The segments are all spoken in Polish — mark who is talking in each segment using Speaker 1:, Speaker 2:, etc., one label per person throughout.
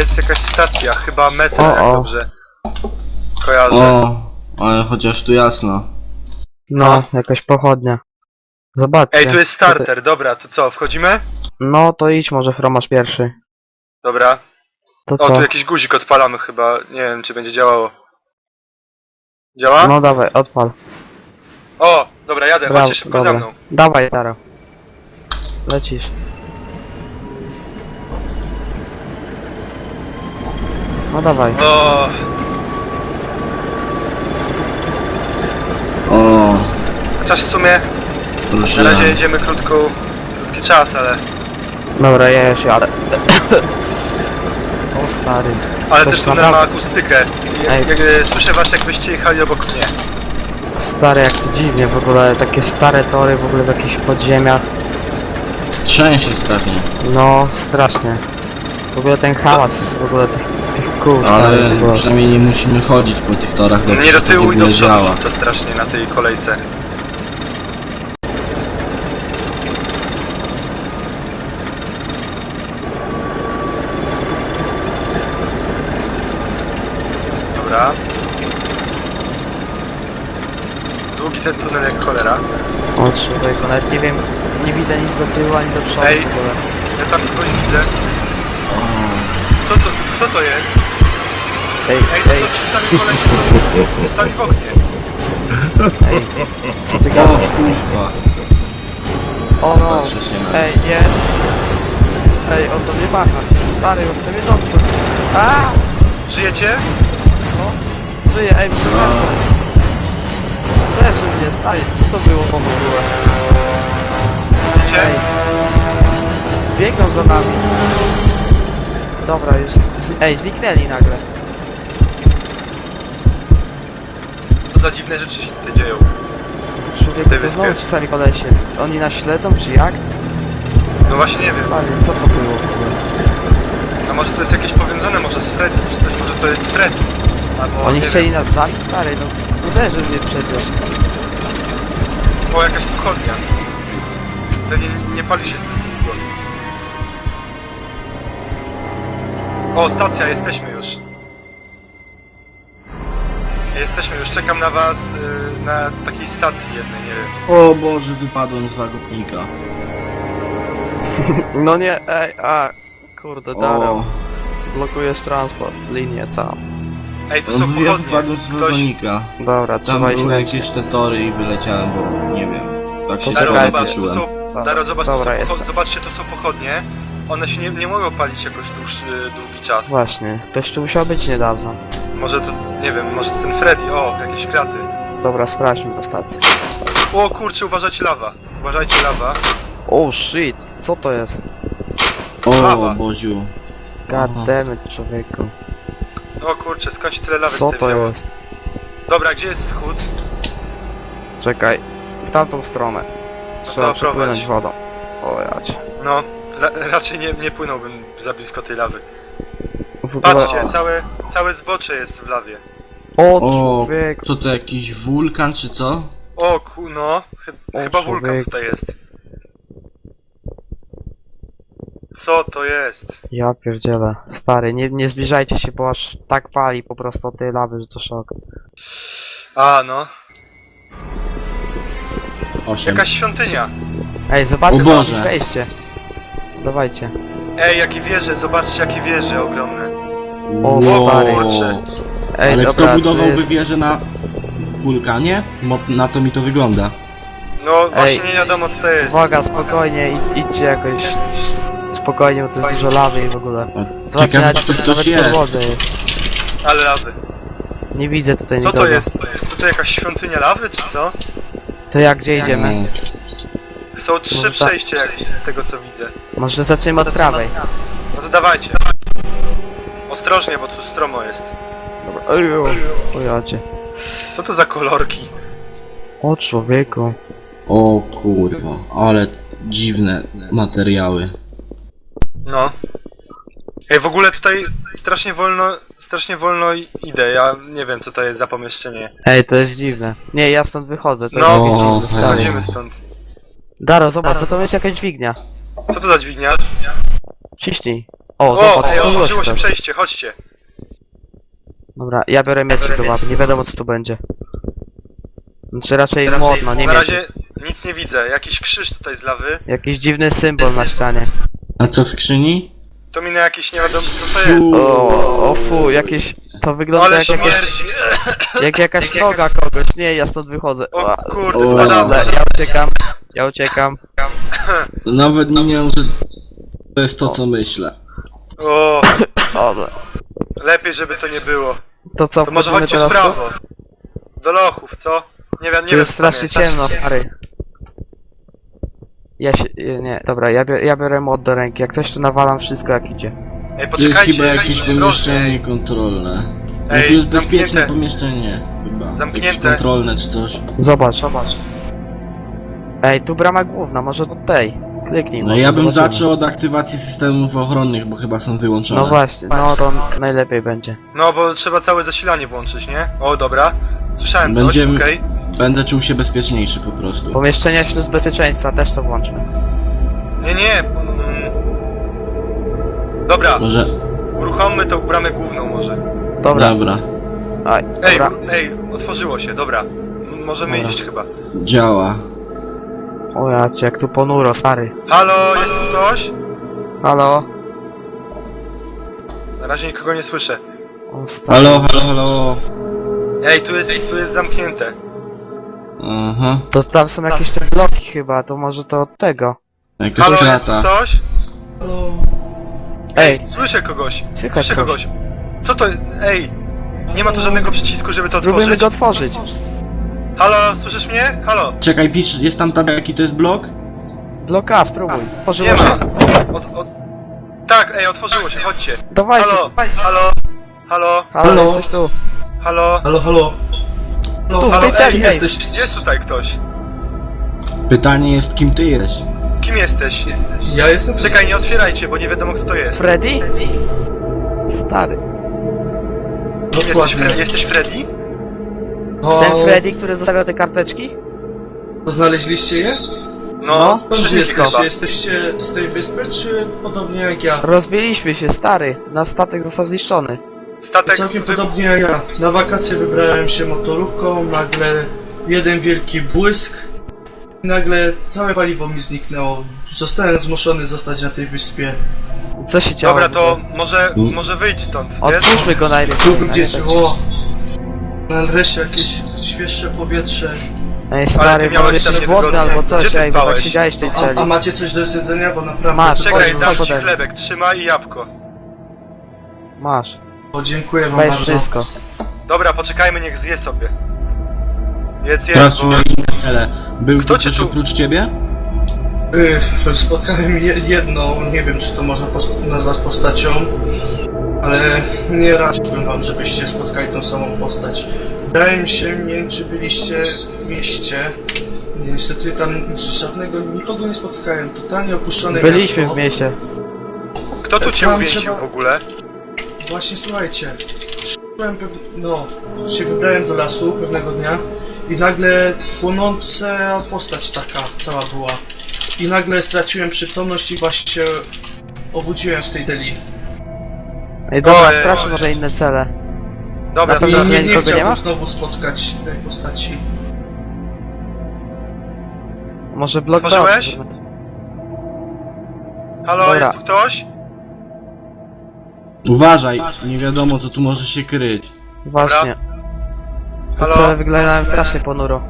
Speaker 1: jest jakaś stacja, chyba metro, jak
Speaker 2: O.
Speaker 1: dobrze kojarzę.
Speaker 3: O, ale chociaż tu jasno.
Speaker 2: No, jakaś pochodnia. Zobaczcie.
Speaker 1: Ej, tu jest starter, dobra, to co, wchodzimy?
Speaker 2: No, to idź może, Fromasz pierwszy.
Speaker 1: Dobra.
Speaker 2: To
Speaker 1: O,
Speaker 2: co?
Speaker 1: tu jakiś guzik odpalamy chyba, nie wiem czy będzie działało. Działa?
Speaker 2: No dawaj, odpal.
Speaker 1: O, dobra, jadę,
Speaker 2: Brawo,
Speaker 1: chodźcie szybko za
Speaker 2: dobra.
Speaker 1: mną.
Speaker 2: Dawaj, Daro. Lecisz. No dawaj.
Speaker 1: O,
Speaker 3: O,
Speaker 1: chociaż w sumie na
Speaker 3: proszę.
Speaker 1: razie jedziemy krótki czas, ale...
Speaker 2: Dobra, ja już jadę. O stary.
Speaker 1: Ale
Speaker 2: Coś
Speaker 1: też tunel ma
Speaker 2: naprawdę-
Speaker 1: akustykę.
Speaker 2: Ej.
Speaker 1: Słyszę was jakbyście jechali obok mnie.
Speaker 2: Stary, jak to dziwnie w ogóle, takie stare tory w ogóle w jakichś podziemiach.
Speaker 3: Trzęsie strasznie.
Speaker 2: No, strasznie. W ogóle ten hałas, w ogóle tych kół starych w
Speaker 3: Ale
Speaker 2: ogóle.
Speaker 3: przynajmniej nie musimy chodzić po tych torach, bo
Speaker 1: Nie do
Speaker 3: to
Speaker 1: tyłu
Speaker 3: w
Speaker 1: i do
Speaker 3: ogóle
Speaker 1: przodu
Speaker 3: działa.
Speaker 1: rzuca strasznie na tej kolejce. Dobra. Długi ten tunel jak cholera.
Speaker 2: O człowieku, nawet nie wiem, nie widzę nic do tyłu ani do przodu
Speaker 1: Ej.
Speaker 2: w ogóle.
Speaker 1: Ja tam kogoś widzę.
Speaker 3: O,
Speaker 1: Co to jest?
Speaker 2: Ej,
Speaker 1: Ej, to
Speaker 2: ej,
Speaker 1: ci stali koleś stali w oknie.
Speaker 2: ej, co ty
Speaker 3: o
Speaker 2: gadasz?
Speaker 3: kurwa.
Speaker 2: O no,
Speaker 3: Patrzę się na...
Speaker 2: ej, nie. Ej, on do mnie macha. Stary, on chce mnie dotknąć. A!
Speaker 1: Żyjecie?
Speaker 2: No, żyje, ej, przepraszam. Też mnie, stary, co to było w ogóle?
Speaker 1: Widzicie?
Speaker 2: Ej. Biegną za nami. Dobra, już. Ej, zniknęli nagle.
Speaker 1: Co za dziwne rzeczy się tutaj dzieją.
Speaker 2: Człowieku,
Speaker 1: Tej
Speaker 2: to znowu
Speaker 1: wyspie.
Speaker 2: ci sami kolesie. Oni nas śledzą, czy jak?
Speaker 1: No właśnie nie wiem.
Speaker 2: Stary, co to było w ogóle?
Speaker 1: A może to jest jakieś powiązane może z Freddy, czy coś, może to jest Freddy. Albo
Speaker 2: Oni
Speaker 1: nie
Speaker 2: chcieli
Speaker 1: wiem.
Speaker 2: nas zabić, stary, no uderzył mnie przecież.
Speaker 1: O, jakaś pochodnia. Pewnie nie pali się zbyt długo. O, stacja, jesteśmy już. Jesteśmy już, czekam na was na takiej stacji jednej, nie wiem.
Speaker 3: O Boże, wypadłem z wagopnika.
Speaker 2: No nie, ej, a kurde,
Speaker 3: O,
Speaker 2: Daro, blokujesz transport, linię całą.
Speaker 1: Ej, tu
Speaker 3: no,
Speaker 1: są
Speaker 3: ja
Speaker 1: pochodnie.
Speaker 3: wypadłem z
Speaker 1: Ktoś...
Speaker 3: wagonika.
Speaker 2: Dobra,
Speaker 3: Tam
Speaker 2: trzeba iść
Speaker 3: były
Speaker 2: lecieć.
Speaker 3: jakieś te tory i wyleciałem, bo nie wiem. Tak się
Speaker 2: Daro,
Speaker 3: trochę
Speaker 2: zobacz,
Speaker 3: poczułem.
Speaker 1: Daro, zobacz,
Speaker 2: Dobra,
Speaker 1: tu
Speaker 2: jest.
Speaker 1: zobaczcie, to są pochodnie. One się nie mogą palić jakoś długi czas.
Speaker 2: Właśnie, ktoś tu musiał być niedawno.
Speaker 1: Może to, nie wiem, może to ten Freddy, o, jakieś kraty.
Speaker 2: Dobra, sprawdźmy do stacji.
Speaker 1: O kurczę, uważajcie lawa. Uważajcie lawa.
Speaker 2: Oh shit, co to jest?
Speaker 1: Lawa.
Speaker 3: O Boziu.
Speaker 2: God
Speaker 3: Aha.
Speaker 2: damn it, człowieku.
Speaker 1: O kurczę, skąd się tyle lawy
Speaker 2: Co
Speaker 1: tutaj
Speaker 2: to
Speaker 1: wzięło?
Speaker 2: jest?
Speaker 1: Dobra, gdzie jest schód?
Speaker 2: Czekaj, w tamtą stronę. Trzeba
Speaker 1: to
Speaker 2: przepłynąć
Speaker 1: prowadź.
Speaker 2: wodą. O jacie.
Speaker 1: No, raczej nie płynąłbym za blisko tej lawy.
Speaker 2: W ogóle...
Speaker 1: Patrzcie, całe zbocze jest w lawie.
Speaker 2: O
Speaker 3: O,
Speaker 2: człowieku.
Speaker 3: co to jakiś wulkan czy co?
Speaker 1: O no,
Speaker 2: O,
Speaker 1: chyba wulkan
Speaker 2: człowieku.
Speaker 1: tutaj jest. Co to jest?
Speaker 2: Ja pierdzielę. Stary, nie zbliżajcie się, bo aż tak pali po prostu od tej lawy, że to szok.
Speaker 1: A no,
Speaker 3: 8.
Speaker 1: jakaś świątynia.
Speaker 2: Ej, zobaczcie,
Speaker 3: O
Speaker 2: tam
Speaker 3: Boże.
Speaker 2: jest wejście. Dawajcie.
Speaker 1: Ej, jakie wieże, zobaczcie jakie wieże ogromne.
Speaker 2: O,
Speaker 3: Wow.
Speaker 2: stary.
Speaker 1: Kurczę.
Speaker 2: Ej,
Speaker 3: Ale
Speaker 2: dobra,
Speaker 3: kto budowałby
Speaker 2: to jest...
Speaker 3: wieżę na wulkanie? Bo na to mi to wygląda.
Speaker 1: No właśnie
Speaker 2: Ej.
Speaker 1: nie wiadomo co to jest.
Speaker 2: Uwaga, spokojnie, idźcie jakoś... Spokojnie, bo to jest dużo lawy i w ogóle.
Speaker 3: O,
Speaker 2: Zobaczcie,
Speaker 3: ciekawe,
Speaker 2: nawet,
Speaker 3: czy to
Speaker 2: nawet
Speaker 3: ktoś
Speaker 2: w
Speaker 3: jest.
Speaker 2: podłodze jest.
Speaker 1: Ale lawy.
Speaker 2: Nie widzę tutaj
Speaker 1: Co
Speaker 2: nikogo.
Speaker 1: to jest? To jakaś świątynia lawy czy co?
Speaker 2: To jak, gdzie idziemy?
Speaker 1: Są trzy
Speaker 2: Może tak.
Speaker 1: przejścia jak z tego co widzę.
Speaker 2: Może zaczniemy od prawej.
Speaker 1: No to dawajcie. Ostrożnie, bo tu stromo jest.
Speaker 2: Dobra. Ejo. O jacie.
Speaker 1: Co to za kolorki?
Speaker 2: O człowieku.
Speaker 3: O kurwa, ale dziwne materiały.
Speaker 1: No. Ej, w ogóle tutaj strasznie wolno idę. Ja nie wiem co to jest za pomieszczenie.
Speaker 2: Ej, to jest dziwne. Nie, ja stąd wychodzę, to
Speaker 1: No,
Speaker 2: jest
Speaker 3: o,
Speaker 2: dziwne, stary.
Speaker 1: Chodzimy stąd.
Speaker 2: Daro, zobacz, co to jest jakaś dźwignia.
Speaker 1: Co to za dźwignia?
Speaker 2: Ciśnij. O,
Speaker 1: O,
Speaker 2: zobacz,
Speaker 1: ej,
Speaker 2: otworzyło
Speaker 1: otworzyło się
Speaker 2: też.
Speaker 1: przejście, chodźcie.
Speaker 2: Dobra, ja biorę mieczyk do łapy, nie wiadomo co tu będzie. Znaczy raczej młotno, nie
Speaker 1: Na
Speaker 2: mieczyk.
Speaker 1: razie nic nie widzę, jakiś krzyż tutaj z lawy.
Speaker 2: Jakiś dziwny symbol na ścianie.
Speaker 3: A co w skrzyni?
Speaker 1: To mi na jakieś nie wiadomo co to jest.
Speaker 2: O fu, jakieś... To wygląda
Speaker 1: Ale
Speaker 2: jak jakaś,
Speaker 1: śmierdzi.
Speaker 2: jak jakaś noga kogoś. Nie, ja stąd wychodzę.
Speaker 1: O kurde,
Speaker 3: O.
Speaker 1: spadamy.
Speaker 2: Dobra, ja uciekam.
Speaker 3: Nawet nie wiem, że to jest to, co myślę.
Speaker 1: O,
Speaker 2: Dobra.
Speaker 1: lepiej żeby to nie było.
Speaker 2: To co,
Speaker 1: To może
Speaker 2: wchodzimy
Speaker 1: chodźcie w
Speaker 2: teraz tu?
Speaker 1: prawo. Do lochów, co? Nie wiem, nie
Speaker 2: Tu
Speaker 1: wiem.
Speaker 2: jest
Speaker 1: co tam
Speaker 2: strasznie ciemno, stary. Ja się... nie, dobra, ja biorę młot do ręki. Jak coś tu nawalam wszystko jak idzie.
Speaker 1: Ej,
Speaker 3: To jest
Speaker 1: poczekajcie,
Speaker 3: chyba jakieś
Speaker 1: ostrożnie.
Speaker 3: pomieszczenie kontrolne. No
Speaker 1: Ej,
Speaker 3: to jest bezpieczne
Speaker 1: zamknięte.
Speaker 3: pomieszczenie chyba.
Speaker 1: Zamknięte.
Speaker 3: Jakieś kontrolne czy coś.
Speaker 2: Zobacz. Ej, tu brama główna, może od tej. Kliknij.
Speaker 3: No
Speaker 2: może
Speaker 3: ja bym
Speaker 2: zobaczymy.
Speaker 3: zaczął od aktywacji systemów ochronnych, bo chyba są wyłączone.
Speaker 2: No właśnie, no to najlepiej będzie.
Speaker 1: No, bo trzeba całe zasilanie włączyć, nie? O, dobra. Słyszałem
Speaker 3: Będziemy-
Speaker 1: coś, okej.
Speaker 3: Będę czuł się bezpieczniejszy po prostu.
Speaker 2: Pomieszczenia śluz bezpieczeństwa też to włączmy.
Speaker 1: Nie. Dobra,
Speaker 3: Może...
Speaker 1: uruchommy tą bramę główną może.
Speaker 2: Dobra.
Speaker 3: Dobra.
Speaker 2: Aj,
Speaker 1: Ej,
Speaker 2: dobra.
Speaker 1: otworzyło się, dobra. Możemy
Speaker 3: Dobra.
Speaker 1: iść chyba.
Speaker 3: Działa.
Speaker 2: O ja cię, jak tu ponuro, stary.
Speaker 1: Halo, jest tu coś?
Speaker 2: Halo?
Speaker 1: Na razie nikogo nie słyszę.
Speaker 2: O, stary.
Speaker 3: Halo.
Speaker 1: Ej, tu jest zamknięte.
Speaker 3: Aha.
Speaker 2: To tam są jakieś te bloki chyba, to może to od tego.
Speaker 3: Jakaś
Speaker 1: Halo, jest tu
Speaker 3: krata.
Speaker 1: coś?
Speaker 2: Ej,
Speaker 1: Słyszę kogoś.
Speaker 2: słychać
Speaker 1: Słyszę
Speaker 2: coś.
Speaker 1: kogoś. Co to? Ej! Nie ma tu żadnego przycisku, żeby to
Speaker 2: Spróbujmy go
Speaker 1: otworzyć.
Speaker 2: otworzyć.
Speaker 1: Halo, słyszysz mnie? Halo.
Speaker 3: Czekaj, pisz, jest tam tab, jaki to jest blok?
Speaker 2: Blok A, spróbuj.
Speaker 1: Nie
Speaker 2: Otworzyło
Speaker 1: ma.
Speaker 2: się.
Speaker 1: Tak, ej, otworzyło się, chodźcie.
Speaker 2: Dawajcie.
Speaker 1: Halo.
Speaker 2: Halo, jesteś tu.
Speaker 1: Halo.
Speaker 4: Halo.
Speaker 2: Tu, w
Speaker 1: halo,
Speaker 2: tej
Speaker 1: ej,
Speaker 2: celi, ej.
Speaker 4: jesteś?
Speaker 1: Jest tutaj ktoś.
Speaker 3: Pytanie jest, kim ty jesteś?
Speaker 1: Kim jesteś?
Speaker 4: Ja jestem
Speaker 1: Czekaj, nie otwierajcie, bo nie wiadomo kto to jest.
Speaker 2: Freddy? Stary.
Speaker 4: Dokładnie.
Speaker 1: Jesteś Freddy?
Speaker 2: Ten Freddy, który zostawiał te karteczki?
Speaker 4: To znaleźliście je?
Speaker 1: No,
Speaker 4: Skąd
Speaker 1: wszystko.
Speaker 4: jesteście? Jesteście z tej wyspy, czy podobnie jak ja?
Speaker 2: Rozbiliśmy się, stary. Nasz statek został zniszczony.
Speaker 1: Statek
Speaker 4: Całkiem podobnie jak ja. Na wakacje wybrałem się motorówką, nagle jeden wielki błysk i nagle całe paliwo mi zniknęło. Zostałem zmuszony zostać na tej wyspie.
Speaker 2: Co się działo?
Speaker 1: Dobra, to może wyjdź stąd, wiesz?
Speaker 2: Otwórzmy go najpierw.
Speaker 4: Tu gdzieś, nareszcie jakieś świeższe powietrze.
Speaker 2: Ej, stary,
Speaker 1: ty miałeś
Speaker 2: może jesteś
Speaker 1: tam
Speaker 2: głodny
Speaker 1: niewygodnie.
Speaker 2: albo coś,
Speaker 1: Gdzie ty
Speaker 2: ej, bo tak
Speaker 1: spałeś?
Speaker 2: siedziałeś w tej celi.
Speaker 4: A macie coś do jedzenia? Bo naprawdę...
Speaker 2: Masz,
Speaker 1: Czekaj,
Speaker 2: chodź,
Speaker 1: dam ci
Speaker 2: ode mnie.
Speaker 1: chlebek, trzymaj i jabłko.
Speaker 2: Masz,
Speaker 4: O, dziękuję wam
Speaker 2: weź
Speaker 4: bardzo.
Speaker 2: wszystko.
Speaker 1: Dobra, poczekajmy, niech zje sobie. Jedz,
Speaker 3: Sprawdźmy
Speaker 1: bo...
Speaker 3: inne cele. Był
Speaker 1: Kto
Speaker 3: tu
Speaker 1: cię
Speaker 3: ktoś
Speaker 1: tu-
Speaker 3: oprócz ciebie?
Speaker 4: Spotkałem jedną, nie wiem czy to można nazwać postacią, ale nie radziłbym wam, żebyście spotkali tą samą postać. Wydaje mi się, nie wiem czy byliście w mieście, niestety tam nikogo nie spotkałem, totalnie opuszczone
Speaker 2: Byliśmy
Speaker 4: miasto.
Speaker 2: w mieście.
Speaker 1: Kto tu cię
Speaker 4: Tam
Speaker 1: uwięził
Speaker 4: trzeba-
Speaker 1: w ogóle?
Speaker 4: Właśnie słuchajcie, się wybrałem do lasu pewnego dnia i nagle płonąca postać taka cała była. I nagle straciłem przytomność i właśnie się obudziłem w tej deli.
Speaker 2: Ej, dobra,
Speaker 1: Ojej.
Speaker 2: sprawdźmy może inne cele.
Speaker 1: Dobra,
Speaker 2: Na
Speaker 1: to
Speaker 2: pewno
Speaker 4: I
Speaker 1: teraz...
Speaker 2: nie-
Speaker 4: nie
Speaker 2: nikogo nie ma?
Speaker 4: chciałbym znowu spotkać tej postaci.
Speaker 2: Może blok B.
Speaker 1: Otworzyłeś?
Speaker 2: otworzymy.
Speaker 1: Halo,
Speaker 2: Dobra.
Speaker 1: jest tu ktoś?
Speaker 3: Uważaj, nie wiadomo co tu może się kryć.
Speaker 2: Właśnie. Te
Speaker 1: Halo?
Speaker 2: cele wyglądają strasznie ponuro.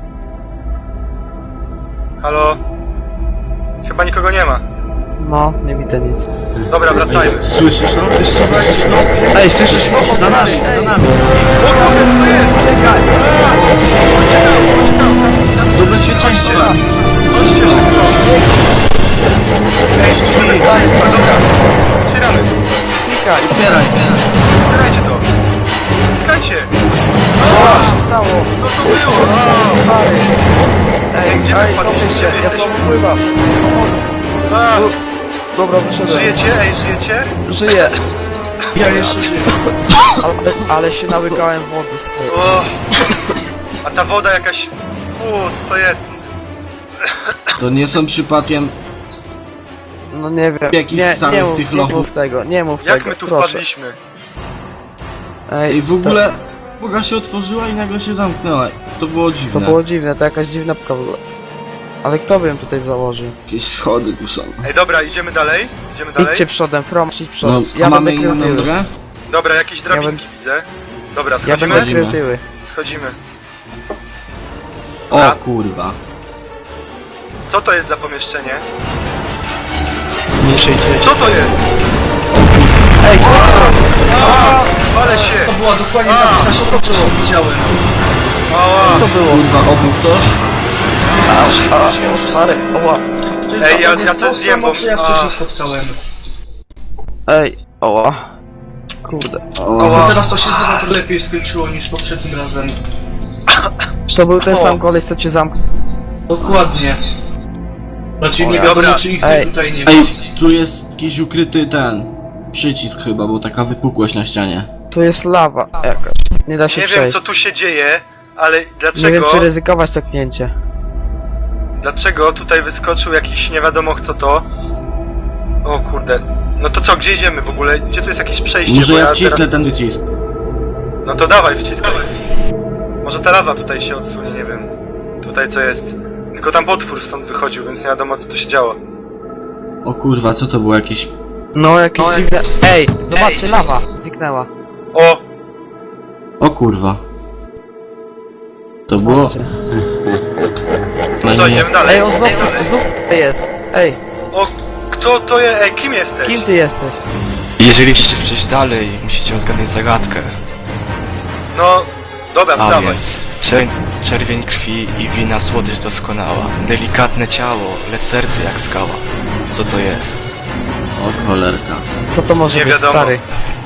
Speaker 1: Halo? Chyba nikogo nie ma.
Speaker 2: No, nie widzę nic.
Speaker 1: Dobra, wracajmy.
Speaker 3: Ej, słyszysz to?
Speaker 4: Słuchajcie, no
Speaker 2: Ej, słyszysz? Za nami, za nami.
Speaker 1: Uciekaj!
Speaker 3: Do bezpieczeństwa!
Speaker 1: Chodźcie szybko! Ej, dobra, otwieramy.
Speaker 2: Klikaj.
Speaker 1: Otwierajcie to. Klikajcie.
Speaker 2: Co się stało?
Speaker 1: Co to było?
Speaker 2: Stary. Ej,
Speaker 1: Gdzie
Speaker 2: ej,
Speaker 1: wypadliście?
Speaker 2: topię się, ja
Speaker 1: Jesteś-
Speaker 2: słabo pływam.
Speaker 1: A,
Speaker 2: Dobra, wyszedłem.
Speaker 1: żyjecie? Ej, żyjecie?
Speaker 2: Żyję.
Speaker 4: ja jeszcze żyję.
Speaker 2: Ale się nałykałem wody z tej.
Speaker 1: O, a ta woda jakaś... co to jest?
Speaker 3: To nie są przypadkiem
Speaker 2: No nie wiem,
Speaker 3: Jakiś
Speaker 2: nie,
Speaker 3: stary
Speaker 2: nie,
Speaker 3: w
Speaker 2: mów,
Speaker 3: tych
Speaker 2: nie
Speaker 3: lochów.
Speaker 2: mów tego, nie mów
Speaker 1: Jak
Speaker 2: tego,
Speaker 1: my tu
Speaker 2: proszę.
Speaker 1: wpadliśmy?
Speaker 2: Ej,
Speaker 3: I w ogóle boga się otworzyła i nagle się zamknęła. To było
Speaker 2: To
Speaker 3: dziwne.
Speaker 2: było dziwne, to jakaś dziwna pka w ogóle. Ale kto by ją tutaj założył?
Speaker 3: Jakieś schody tu są.
Speaker 1: Ej, dobra, idziemy dalej? Idziemy dalej?
Speaker 2: Idźcie przodem, From, idź
Speaker 3: No,
Speaker 2: przodem.
Speaker 3: a
Speaker 2: Ja
Speaker 3: mamy
Speaker 2: będę krył
Speaker 3: inną
Speaker 2: tyły.
Speaker 3: drogę?
Speaker 1: Dobra, jakieś drabinki widzę. Dobra,
Speaker 2: Ja
Speaker 1: schodzimy?
Speaker 2: będę krył tyły.
Speaker 1: Schodzimy.
Speaker 3: O
Speaker 1: A.
Speaker 3: kurwa.
Speaker 1: Co to jest za pomieszczenie?
Speaker 5: Nie przejdziecie.
Speaker 1: Co to jest?
Speaker 2: Ej,
Speaker 1: Ale się!
Speaker 4: To była dokładnie ta postać, co widziałem.
Speaker 1: Ała!
Speaker 2: co było?
Speaker 3: Kurwa, obył ktoś?
Speaker 2: Marek, oła.
Speaker 4: To jest
Speaker 1: Ej, ja
Speaker 4: dokładnie
Speaker 1: to
Speaker 4: to
Speaker 1: zjem,
Speaker 4: samo,
Speaker 1: bo-
Speaker 4: co ja wcześniej spotkałem.
Speaker 2: Ej, oła. Kurde.
Speaker 4: No teraz to się chyba lepiej skończyło niż poprzednim razem.
Speaker 2: To był ten
Speaker 1: O.
Speaker 2: sam koleś, co cię zamknął.
Speaker 4: Dokładnie. Znaczy nie
Speaker 1: O,
Speaker 4: wiadomo,
Speaker 1: dobra.
Speaker 4: czy ich
Speaker 2: Ej.
Speaker 4: tutaj nie ma.
Speaker 3: Ej, tu jest jakiś ukryty przycisk chyba, bo taka wypukłość na ścianie.
Speaker 2: Tu jest lawa jakaś. Nie da się
Speaker 1: Nie wiem
Speaker 2: przejść.
Speaker 1: co tu się dzieje, ale
Speaker 2: Nie wiem,
Speaker 1: dlaczego...
Speaker 2: czy ryzykować to knięcie.
Speaker 1: Dlaczego tutaj wyskoczył jakiś nie wiadomo kto to? O kurde. No to co, gdzie idziemy w ogóle? Gdzie tu jest jakieś przejście?
Speaker 3: Może
Speaker 1: Bo
Speaker 3: ja wcisnę
Speaker 1: teraz...
Speaker 3: ten wycisk.
Speaker 1: No to dawaj, wciskaj. Może ta lawa tutaj się odsunie, nie wiem. Tutaj co jest. Tylko tam potwór stąd wychodził, więc nie wiadomo co tu się działo.
Speaker 3: O kurwa, co to było jakieś...
Speaker 2: No, jakieś dziwne... Ej, zobaczcie, lawa zniknęła.
Speaker 1: O!
Speaker 3: O kurwa. To było...
Speaker 2: Zobaczcie.
Speaker 1: No to idziemy dalej.
Speaker 2: Ej, on znów tutaj jest. Ej,
Speaker 1: O, kto to jest? Ej, kim jesteś?
Speaker 2: kim ty jesteś?
Speaker 5: Jeżeli chcecie przejść dalej, musicie odgadnąć zagadkę.
Speaker 1: No, dobra,
Speaker 5: A
Speaker 1: dawaj.
Speaker 5: więc czerwień krwi i wina słodycz doskonała. Delikatne ciało, lecz serce jak skała. Co to jest?
Speaker 3: O cholerka.
Speaker 2: Co to może
Speaker 1: Nie
Speaker 2: być,
Speaker 1: wiadomo.
Speaker 2: stary?